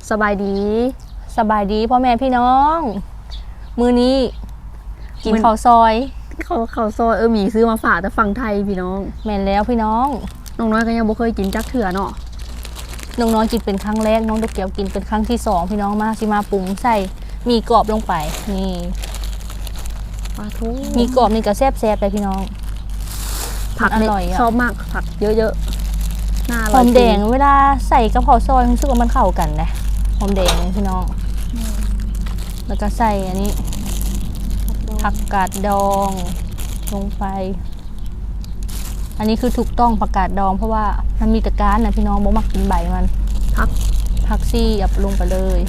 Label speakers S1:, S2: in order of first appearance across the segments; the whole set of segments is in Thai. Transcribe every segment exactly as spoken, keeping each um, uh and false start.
S1: สบายดี
S2: สบายดีพ่อแม่พี่น้องมื้อนี้กินข้าวซอย
S1: เขาเขาซอยเออหมีซื้อมาฝากแต่ฝั่งไทยพี่น้อง
S2: แม่นแล้วพี่น้อง
S1: น้องน้อยก็ยังบ่เคยกินจักเถื่อเนาะ
S2: น้องน้อยกินเป็นครั้งแรกน้องตะเกียวกินเป็นครั้งที่สองพี่น้องมาสิมาปรุงใส่มีกรอบลงไปนี่
S1: ปลาทู
S2: มีกรอบนี่ก็แซ่บๆเลยพี่น้อง
S1: ผัก
S2: อร่อยอ่ะ
S1: ชอบมากผักเยอะๆน่าอร่อย
S2: หอมแดงเวลาใส่กับข้าวซอยรู้สึกว่ามันเข้ากันนะหอมแดงพี่น้องแล้วก็ใส่อันนี้ผักกาดดองลงไปอันนี้คือถูกต้องผักกาดดองเพราะว่ามันมีตะการนะพี่น้องบ่มักกินใบมัน
S1: ผัก
S2: ผักซี่อับลงไปเลย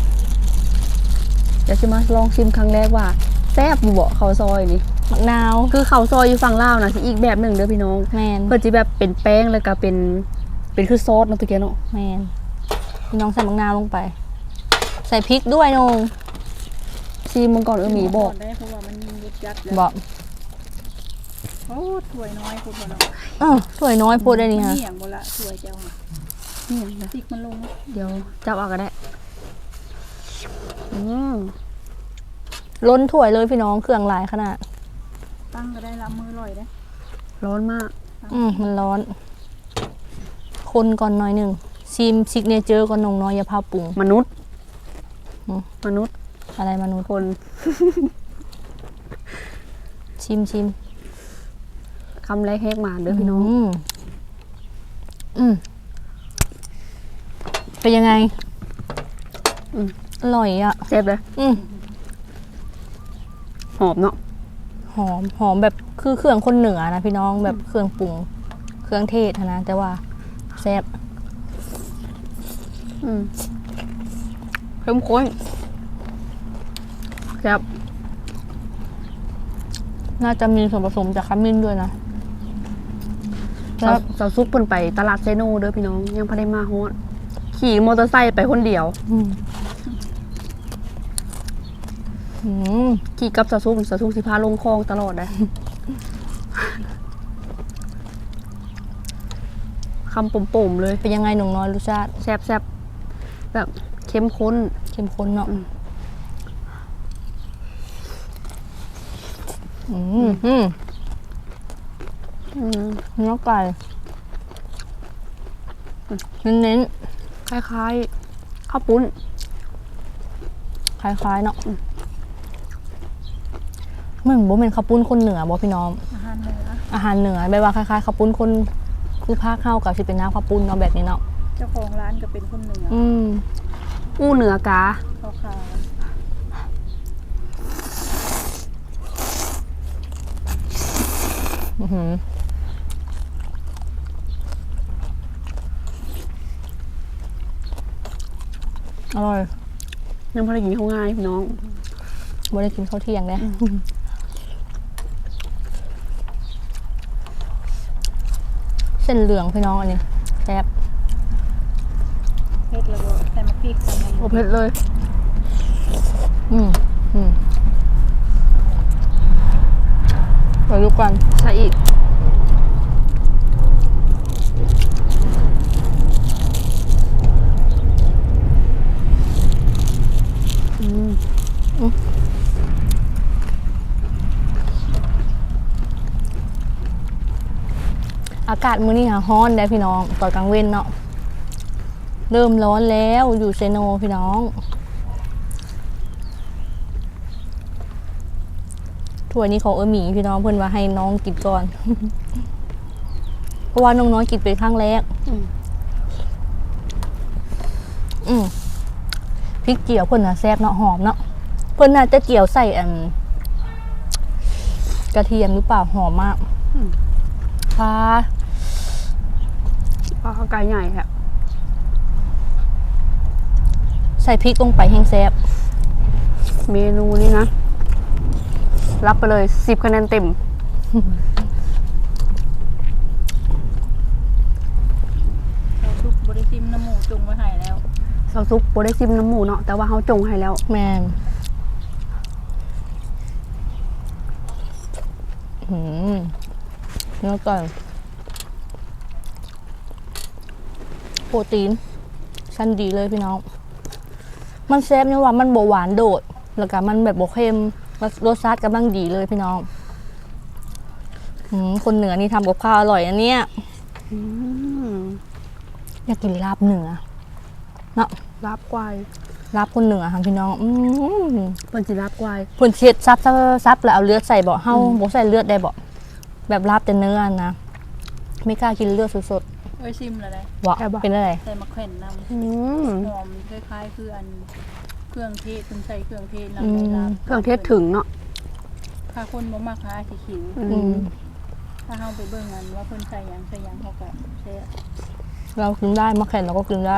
S1: เดี๋ยวจะมาลองชิมครั้งแรกว่าแซ่บอยู่บ่ข้าวซอยนี่
S2: มะนาว
S1: คือข้าวซอยอยู่ฝั่งลาวนะสิอีกแบบหนึ่งเด้อพี่น้อง
S2: แม่น
S1: เพิ่นสิแบบเป็นแป้งแล้วก็เป็นเป็นคือซอสเนาะตะเกียเนาะ
S2: แม่นพี่น้องใส่มะนาวลงไปใส่พริกด้วยนง
S1: ชิมมันก่อนเออหมีบอก
S3: ได้เพราะว่ามันยุบยัด
S2: บอก
S3: โอ้ถ้วยน้อยพูดบ่เนาะ
S2: เออถ้วยน้อยพูดได้นี่ฮะ
S3: นี่อย่างบ่ละถ้วยเจ้าค่ะ
S1: นี่อย่างนะ
S3: ติกมันลง
S1: เดี๋ยวจับเอาก็ได้อืม
S2: ล้นถ้วยเลยพี่น้องเครื่องหลายขนาด
S3: ตั้งก็ได้ละมือลอยได้
S1: ร้อนมาก
S2: อืมมันร้อนคนก่อนหน่อยหนึ่งชิมซิกเนเจอร์ก่อนนงน้อยอย่าพาปรุง
S1: มนุษย์มนุษย์
S2: อะไรมนุษย์
S1: คน
S2: ชิมชิม
S1: คำแรกแหกมาเด้อพี่น้อง
S2: อืมเป็นยังไงอร่อยอ่ะ
S1: เจ็บเลย
S2: อืม
S1: หอมเนาะ
S2: หอมหอมแบบคือเครื่องคนเหนือนะพี่น้องแบบเครื่องปรุงเครื่องเทศนะแต่ว่าแซ่บ
S1: อืมเข้มข้นแซ่บ
S2: น่าจะมีส่วนผสมจากขมิ้นด้วยนะ
S1: แล้วสาวซุปเพิ่นไปตลาดเซโนเด้อพี่น้องยังพอได้มาฮอดขี่มอเตอร์ไซค์ไปคนเดียวขี่กับสาวซุปสาวซุปสิพาลงคลองตลอดเลยคำปุ่มๆเลย
S2: เป็นยังไงหนุ่มน้อยรสชาติ
S1: แซ่บๆแบบเข้มข้น
S2: เข้มข้นเนาะอืมอืมอืมเนื้อไก่เน้น
S1: ๆคล้ายๆข้าวปุ้น
S2: คล้ายๆเนาะเหมือนบ่เป็นข้าวปุ้นคนเหนือบ่พี่น้อง
S3: อาหารเหนือ
S2: อาหารเหนือแบบว่าคล้ายๆข้าวปุ้นคนคือภาคเข้ากับที่เป็นน้ำข้าวปุ้นเนาะแบบนี้เนาะ
S3: เจ้าของร้านก็เป็นคนเหนือ
S2: อืม
S1: อู้เหนือกา
S3: เขาขาย
S2: อือหืออร่อย
S1: ยังพอได้กินข้าวง่ายพี่น้อง
S2: บ่ได้กินข้าวเที่ยงเลยเส้นเหลืองพี่น้องอันนี้แซ่บ
S3: เผ็ดแล้วก็ใส่มะพริกใส่มะ
S1: โอเผ็ดเลย
S2: อืมอืมไปดูกัน
S1: ใส่อีกอืม
S2: อากาศมื้อนี้ค่ะร้อนได้พี่น้องตอนกลางเว้นเนาะเริ่มร้อนแล้วอยู่เซโนพี่น้องถ้วยนี้ของเออหมีพี่น้องเพื่อนว่าให้น้องกินก่อน เพราะว่าน้องน้อยกินเป็นครั้งแรกอืมพริกเจียวเพื่อนน่ะแซ่บเนาะหอมเนาะเพื่อนน่าจะเจียวใส่อันกระเทียมหรือเปล่าหอมมากปลา
S1: ปลาข้าวไก่ใหญ่ค่ะ
S2: ใส่พริกลงไปแห้งแซ่บ
S1: เมนูนี้นะรับไปเลยสิบคะแนนเต็ม
S3: เราซุปบริซิมน้ำหมูจงไว้ให้แล้ว
S1: ซอสซุปโบได้ซิมน้ำหมูเนาะแต่ว่าเขาจงให้แล้ว
S2: แมนหืมเนื้อไก่โปรตีนชั้นดีเลยพี่น้องมันแซ่บเนี่ยว่ามันบ่หวานโดด แล้วก็มันแบบบ่เค็มรสชาติกำลังดีเลยพี่น้องอืมคนเหนือนี่ทำกับข้าวอร่อยอันเนี้ย
S1: อืม
S2: อยากกินลาบเหนือเนาะ
S1: ลาบควาย
S2: ลาบคนเหนือค่ะพี่น้องอืม
S1: เพิ่นสิลาบควาย
S2: เพิ่นเช็ดซับซับซับแล้วเอาเลือดใส่บ่เฮาบ่ใส่เลือดได้บ่แบบลาบแต่เนื้อนะไม่กล้ากินเลือดสด
S3: เอ้ยซิมแล้วได้
S2: ๆบ่เป็นอะไร
S3: ใส่มะแขวนนำ
S1: อืม
S3: หอมคล้ายๆคืออันเครื่องเทศคุณใส่เครื่องเทศ
S2: อื
S3: นำ
S2: ม
S3: ในลาบ
S1: เครื่องเทศถึงเนาะ
S3: ถ้าคนบ่มักหาสิขิว
S1: อื
S2: อื
S1: ม
S2: ม
S3: ถ้าเฮาไปเบิ่งอันว่าเพิ่นใส่หยังใส่หยังเขาก็ใส่
S2: เรากินได้มะแขวนเราก็กินได้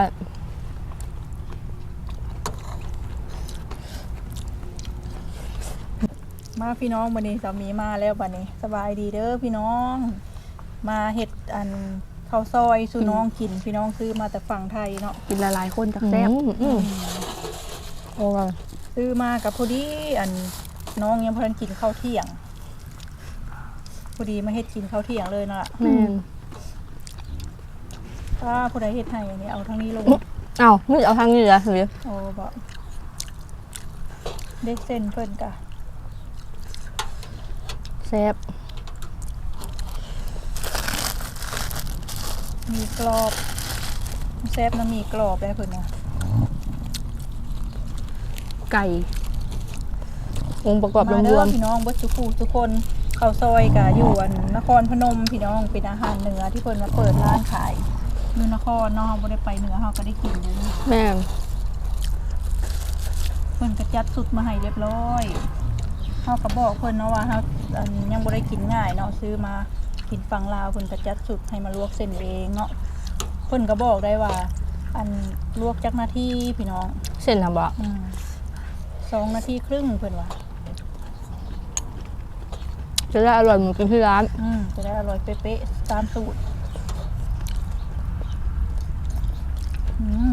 S3: มาพี่น้องวันนี้สามีมาแล้วบัดนี้สบายดีเด้อพี่น้อง มาเฮ็ดอันข้าวซอยสู่น้องกินพี่น้องซื้อมาแต่ฝั่งไทยเนาะ
S1: กินหลายๆคนจักแซ่บ
S2: อืมอืมโอ้ย
S3: ซื้อมากับพอดีอันน้องยังพอทันกินข้าวเที่ยงพอดีมาเฮ็ดกินข้าวเที่ยงเลยน่ะ
S2: แม่น
S3: ถ้าผู้ใดเฮ็ดให้อันนี้เอาทั้งนี้ลง
S2: เอ้านี่เอาทางนี้เหรอหรือ
S3: โอ้บ่เด็กเส้นเพิ่นกะ
S2: แซ่บ
S3: มีกรอบแซ่บน้ำมีกรอบได้เพิ่นน่ะ
S1: ไก่
S2: องค์ประกอบร
S3: มาเด้
S2: ว
S3: อ
S2: ม
S3: พี่น้องเบิดทุกผู้ทุกคนข้าวซอยกะอยู่อันนครพนมพี่น้องเป็นอาหารเหนือที่เพิ่นมาเปิดร้านขายอยู่นครเนาะเฮาบ่ได้ไปเหนือเฮาก็ได้กินอยู่นี่
S2: ๆแม่น
S3: เพิ่นก็จัดสุดมาให้เรียบร้อยเฮาก็บอกเพิ่นเนาะว่าเฮาอันยังบ่ได้กินง่ายเนาะซื้อมากินฝั่งลาวเพิ่นก็จัดสุดให้มาลวกเส้นเองเนาะเพิ่นก็บอกได้ว่า อันลวกจักนาทีพี่น้อง
S2: เส้นทำบ่
S3: อืมสองนาทีครึ่งเพิ่นว่า
S2: จะได้อร่อยเหมือนกินที่ร้าน
S3: อืมจะได้อร่อยเป๊ะๆตามสูตรอืม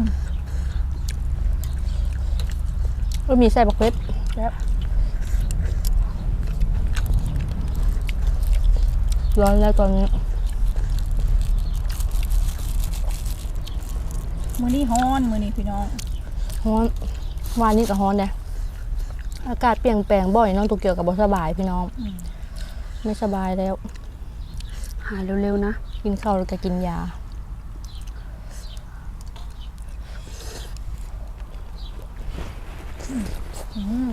S2: ก็มีไส้บักเล็ด
S3: แล้ว
S2: ร้อนแล้วตอนนี้
S3: มื้อนี้ฮ้อนมื้อนี้พี่น้อง
S2: ร้อนวานนี้ก็ร้อนเนี่ยอากาศเปลี่ยนแปลงบ่อยเน้องตัวเกี่ยวกับบ่สบายพี่น้อง
S3: อืม
S2: ไม่สบายแล้ว
S1: หาเร็วๆนะ
S2: กินข้าวแล้วก็กินยา
S3: อืม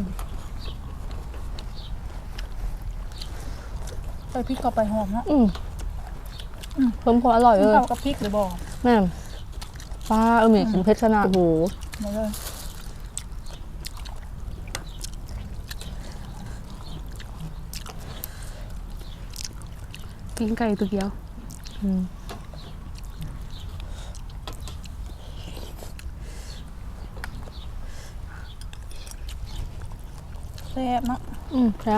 S3: ใส่พริกเข้าไปหอมเนาะ
S2: อืมเพิ่มความอร่อย
S3: กิ
S2: เล
S3: น
S2: ย
S3: ข้าวกับพริกหรือบ่
S2: แม่ป้าเออมีกินเพชรขนาด
S1: โอ้โห
S3: มาเลย
S1: กินไก่ตัวเดียว
S2: อืม
S3: แซ่บเนาะ
S2: อืมครับ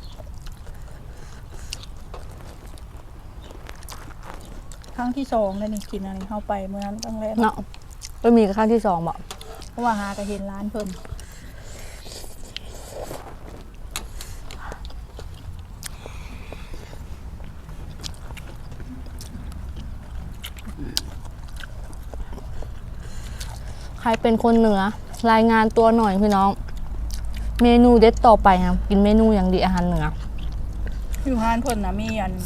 S3: ครั้งที่สองเลยนี่กินอันนี้เข้าไปเมื่อนั้นตั้งแรก
S2: เนาะก็มีกับขั้นที่สองบ่
S3: เพราะว่าหาก็เห็นร้านเพิ่น
S2: ใครเป็นคนเหนือ รายงานตัวหน่อยพี่น้อง เมนูเด็ดต่อไปครับกินเมนูอย่างดีอาหารเหนือ
S3: อยู่ร้านเพิ่นน่ะมีอัน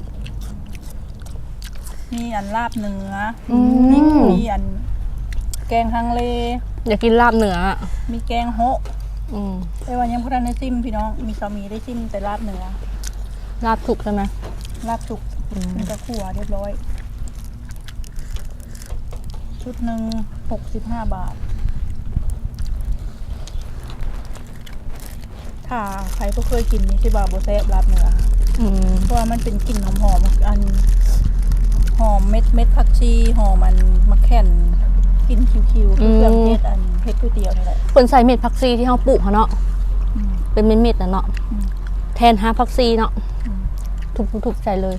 S3: มีอันลาบเนื้ออ
S2: ม
S3: มีมีอัน แกงฮังเล
S2: อยากกินลาบเหนืออะ
S3: มีแกงโฮะ
S2: อืม
S3: แต่ว่ายังบ่ทันได้ซิมพี่น้อง มีสามีได้ซิมแต่ลาบเนื้อ
S2: ลาบสุกใช่ไหม
S3: ลาบสุก
S2: อืม
S3: มันจะขั่วเรียบร้อย ชุดหนึ่งหกสิบห้าบาท ถ้าใครก็เคยกินนี่สิบาโบแซบลาบเนื้อ
S2: อืม
S3: เพราะว่ามันเป็นกลิ่นหอมๆอันหอมเม็ดเม็ดผักชีหอมมันมะแข่นกลิ่นคิวๆคือเครื่องเทศอันเฮ็ดก๋วยเตี๋ยวนี่แหละ
S2: คนใส่เม็ดผักซีที่เขาปลูกเขาเนาะ
S3: อืม
S2: เป็นเม็ดๆนะเนาะ
S3: อืม
S2: แทนหาผักซีเนาะ
S3: อืม
S2: ทุบๆๆใส่เลย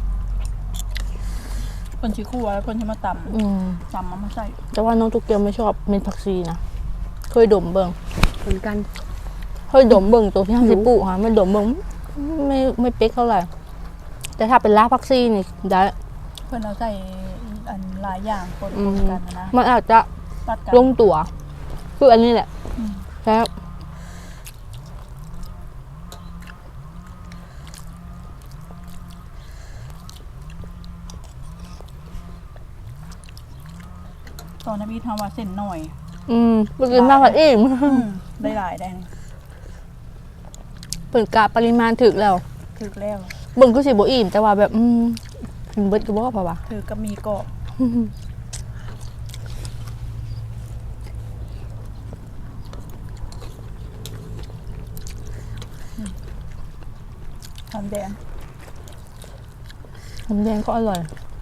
S3: คนชิคั่วแล้วคนที่มาต
S2: อืม
S3: ำตำเอามาใส่
S2: แต่ว่าน้องตุกเกียวไม่ชอบเม็ดผักซีนะเคยดมเบิ่ง
S1: เหมือนกัน
S2: เคยดมเบิ่งตัวที่ห้าสิบปลูกค่ะไม่ดมเบิ่งไม่ไม่เป๊กเท่าไหร่ แต่ถ้าเป็นลาบผักซีนี่ได้
S3: เพื่อนเอาใส่อันหลายอย่างคน
S2: อืม
S3: กันนะ
S2: มันอาจจะ
S3: ตัดกัน
S2: ลงตัว คือคืออันนี้แหละแล้ว
S3: ตอนนั้นพี่ทำว่าเส้นหน่อย
S2: อืมไปกินมากกว่าอิ่ม
S3: อืมได้หลายได้นี่
S2: เปิดกะปริมาณถึกแล้ว
S3: ถือแล้ว
S2: เบิ่งก็สิบ่อิ่มแต่ว่าแบบอืมกินเบิดก็บ่พอว่ะ
S3: ถือก็มีเกาะหอมแดง
S2: หอมแดงก็อร่อย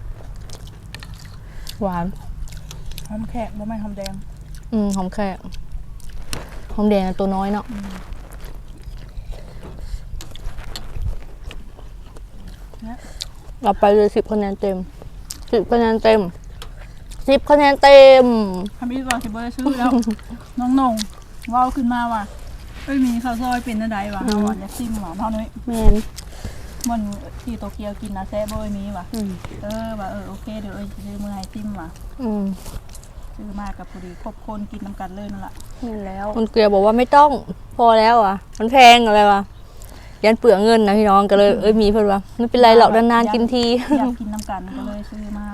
S2: หวาน
S3: หอมแขกบ่แม่นหอมแดง
S2: อืมหอมแค่หอมแดงตัวน้อยเนาะเราไปเลยสิบคะแนนเต็มสิบคะแนนเต็มสิบคะแนนเต็ม
S3: ทำอีกว่าสิบ่ได้ซื้อแล้ว น้องนงเว้าขึ้นมาว่าเอ้ยมีข้าวซอยเป็นอะไรวะเอาอ่ะอยากซิมหวานเท่านี้
S1: แม่น
S3: มันที่โตเกียวกินนะแซ่บบ่เอ้ยมีว่ะ
S1: อืม
S3: เออว่าเออโอเคเดี๋ยวเอ้ยสิซื้อมือให้ซิมว่ะ
S2: อืม
S3: ซื้อมากับพอดีครบคนกินน้ำกันเลยนั่นแหละ
S1: แม่นแล้ว
S2: คุณเกลียวบอกว่าไม่ต้องพอแล้วอ่ะ มันแพงอะไรวะยันเปลืองเงินนะพี่น้องก็เลยเอ้ยมีเพื่อนว่าไม่เป็นไรหรอกนานๆกินที
S3: อยากกินน้ำกันก็เลยซื้อมา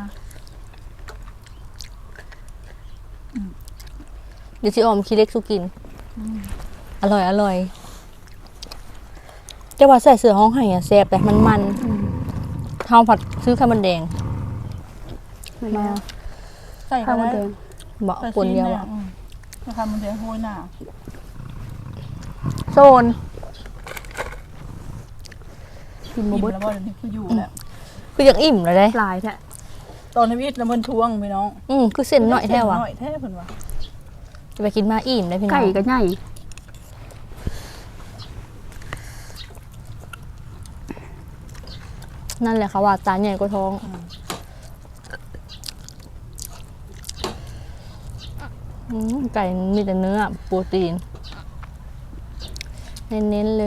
S2: เดี๋ยวชิออมคีเล็กสุกิน อร่อยอร่อยแต่ว่าใส่เสื้อห้องไห้อะแซ่บแต่มันมันเท่าผัดซื้อข้าวมันแดง
S1: แม่นแล้ว
S3: ใส่
S1: ข้าว
S3: ก็
S1: มัน
S3: ได้
S1: แดง
S2: เบาคนเดียวอะ
S3: จะทำมันเดียวโหยหน่า
S1: โซนกินบ่
S3: อิ่ม
S1: เบิด
S3: แล้วบ่เดี๋ยวนี้คืออยู่แล้ว
S2: คือยังอิ่มเลยเด้
S1: หลายแท้
S3: ตอนนี้วิทย์แล้วมันทวงพี่น้อง
S2: อืมคือเส้นหน่อยแท้วะ
S3: หน่อยแท้เพิ่นว่า
S2: จะไปกินมาอิ่มได้พี่น้อง
S1: ไก่ก็ใหญ่
S2: นั่นแหละค่ะว่าตาใหญ่กว่าท้องอืมไก่มีแต่เนื้อโปรตีน เน้นๆเลย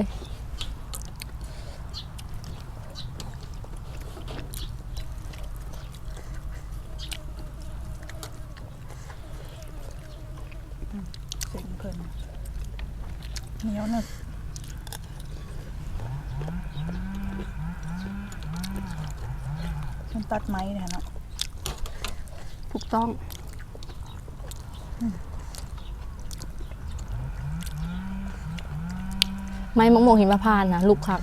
S3: เสียงเพิ่นเหนียวหนึบมันตัดไม้เนี่ยเนาะ
S1: ถูกต้อง
S2: ไม้มะม่วงหิมพานต์นะลูกคัก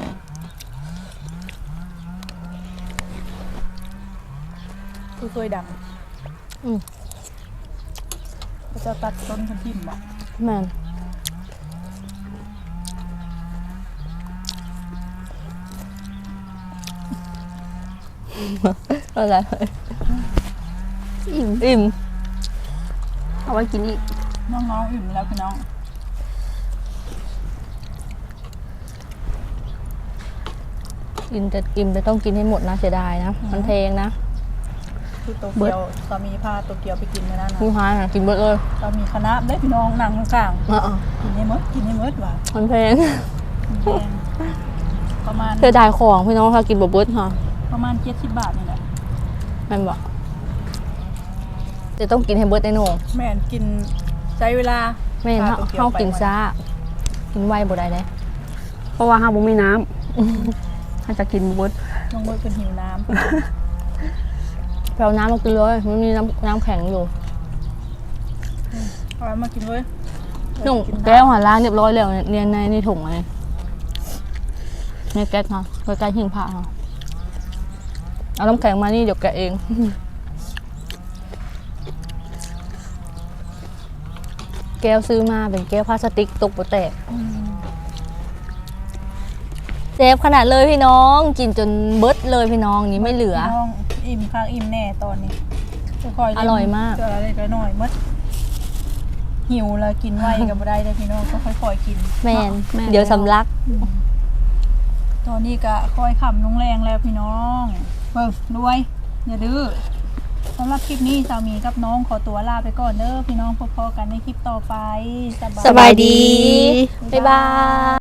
S3: คือเคยดัง
S2: อืม
S3: ก็จะตัดต้นทันทิมบ่
S2: แม่นอะไร
S1: อิ่ม
S2: อิ่ม
S1: เอาไว้กินอีก
S3: น้องๆอิ่มแล้วพี่น้อง
S2: อิ่มแต่อิ่มแต่ต้องกินให้หมดนะเสียดายนะ มันแพงนะ
S3: คือโตเกียวสามีพาโตเกียวไปกินในนั้นนะ
S2: ผู้ค้าน่ะกินเบิดเลย
S3: สามีคณะได้พี่น้องนั่งข้าง
S2: อ่ะ
S3: ๆกินให้หมดกินให้หมดว่ะ
S2: ๆมันแพง
S3: แพงประมาณ
S2: เสียดายของพี่น้องค่ะกินบ่เบิดค่ะ
S3: ประมาณเจ็ดสิบบาทนี่แหละ
S2: แม่นบอกจะต้องกินให้เบิดในโหนง
S3: แม่นกินใช้เวลา
S2: แม่น
S3: พ
S2: เฮา
S3: โตกียว
S2: เฮากิน
S3: ไป
S2: ซ่ากินไวบ่ได้เลย
S1: เพราะว่าห้าบ่มีน้ำถ้าจะกินบ่เบิด
S3: น้องเบิร์ดเป็นหิวน้
S2: ไปเอาน้ำมากินเลยมันมีน้ำน้ำแข็งอยู่
S3: ำเอามากินเว้ย
S2: หนุ่มแก้วหันล้างเรียบร้อยแล้วเนี่ยเนี่ยในในถุงเลยในแก๊สค่ะใกล้ๆหิ้งผ้าค่ะเอาน้ำแข็งมานี่เดี๋ยวแกะเอง แก้วซื้อมาเป็นแก้วพลาสติกตกโปแตก
S3: อืม
S2: เซฟขนาดเลยพี่น้องกินจนเบิดเลยพี่น้องนี่ไม่เหลือ
S3: พี่น้องอิ่มข้างอิ่มแน่ตอนนี้ค่อยๆเล่น
S2: อร่อยมาก
S3: เจออะไรก็น้อยหมดหิวแล้วกินไวก็บ่ได้เลยพี่น้องก็ค่อยๆกิน
S2: แมนเดี๋ยวสำลัก
S3: ตอนนี้ก็ค่อยขำลงแรงแล้วพี่น้องเบิ่งรวยอย่าดื้อสำหรับคลิปนี้สามีกับน้องขอตัวลาไปก่อนเด้อพี่น้องพบกันในคลิปต่อไป
S2: สบายดี บ๊ายบาย